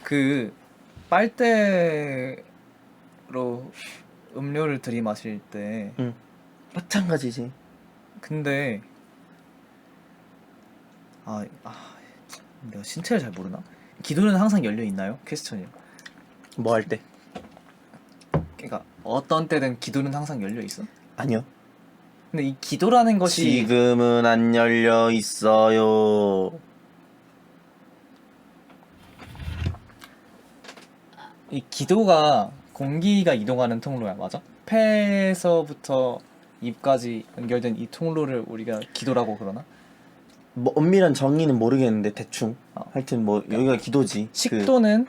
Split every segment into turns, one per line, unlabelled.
그 빨대로 음료를 들이마실 때
응. 마찬가지지.
근데 내가 신체를 잘 모르나? 기도는 항상 열려 있나요? 퀘스천이요.
뭐 할 때?
그러니까 어떤 때든 기도는 항상 열려 있어?
아니요.
근데 이 기도라는 것이
지금은 안 열려 있어요.
이 기도가 공기가 이동하는 통로야, 맞아? 폐에서부터 입까지 연결된 이 통로를 우리가 기도라고 그러나?
뭐 엄밀한 정의는 모르겠는데 대충. 하여튼 뭐 여기가 기도지.
식도는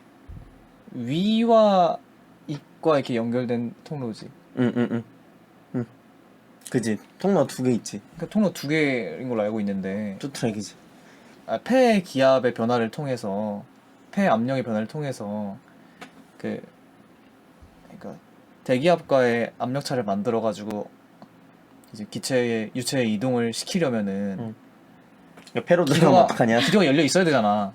위와 입과 이렇게 연결된 통로지.
응. 그지. 통로 2개 있지.
그 통로 두 개인 걸로 알고 있는데
투트랙이지.
폐 기압의 변화를 통해서 폐 압력의 변화를 통해서 그러니까 대기압과의 압력차를 만들어 가지고 이제 기체의 유체의 이동을 시키려면은
폐로 들어가면 어떡하냐?
기도가 열려 있어야 되잖아.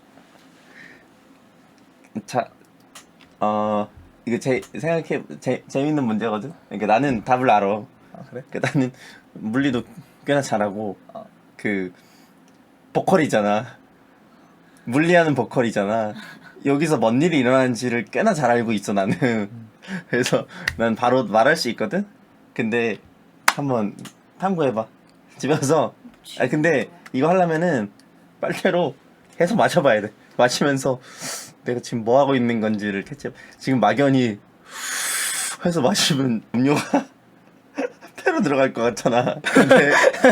자, 이거 재밌는 문제거든? 그러니까 나는 답을 알아.
그래?
그러니까 나는 물리도 꽤나 잘하고, 보컬이잖아. 물리하는 보컬이잖아. 여기서 뭔 일이 일어나는지를 꽤나 잘 알고 있어, 나는. 그래서 난 바로 말할 수 있거든? 근데 한번 탐구해봐. 집에서. 근데 이거 하려면은 빨대로 계속 마셔봐야 돼. 마시면서 내가 지금 뭐 하고 있는 건지를 캐치. 지금 막연히 해서 마시면 음료가 폐로 들어갈 것 같잖아. 근데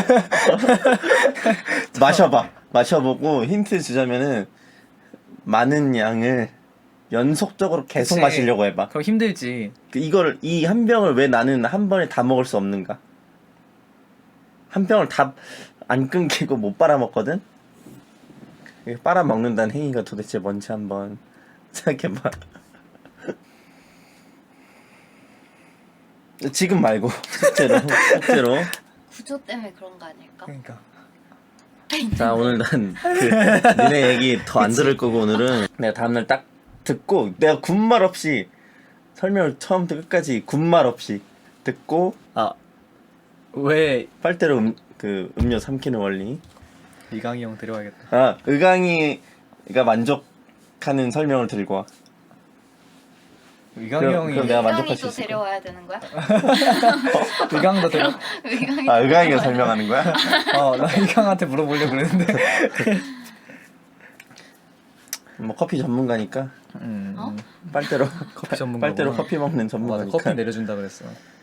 마셔보고 힌트 주자면은 많은 양을 연속적으로 계속
그치.
마시려고 해봐.
그럼 힘들지.
이 한 병을 왜 나는 한 번에 다 먹을 수 없는가? 한 병을 다 안 끊기고 못 빨아먹거든? 빨아먹는다는 행위가 도대체 뭔지 한번 생각해봐. 지금 말고 실제로.
구조 때문에 그런 거 아닐까?
그러니까
자, 오늘 난 니네 얘기 더 안 들을 거고, 오늘은 내가 다음날 딱 듣고 내가 군말 없이 설명을 처음부터 끝까지 군말 없이 듣고
왜
빨대로 음료 삼키는 원리.
이강이 형 데려와야겠다.
의강이가 만족하는 설명을 들고 와.
이강이 형이
그럼 내가 만족할 수
의강이도
있을 거야.
데려와야 되는 거야?
이강도 데려.
의강이
의강이가 설명하는 거야?
나 이강한테 물어보려고 그랬는데.
뭐 커피 전문가니까
어?
빨대로
커피 전문가.
빨대로 커피 먹는
맞아,
전문가니까.
커피 내려준다 그랬어.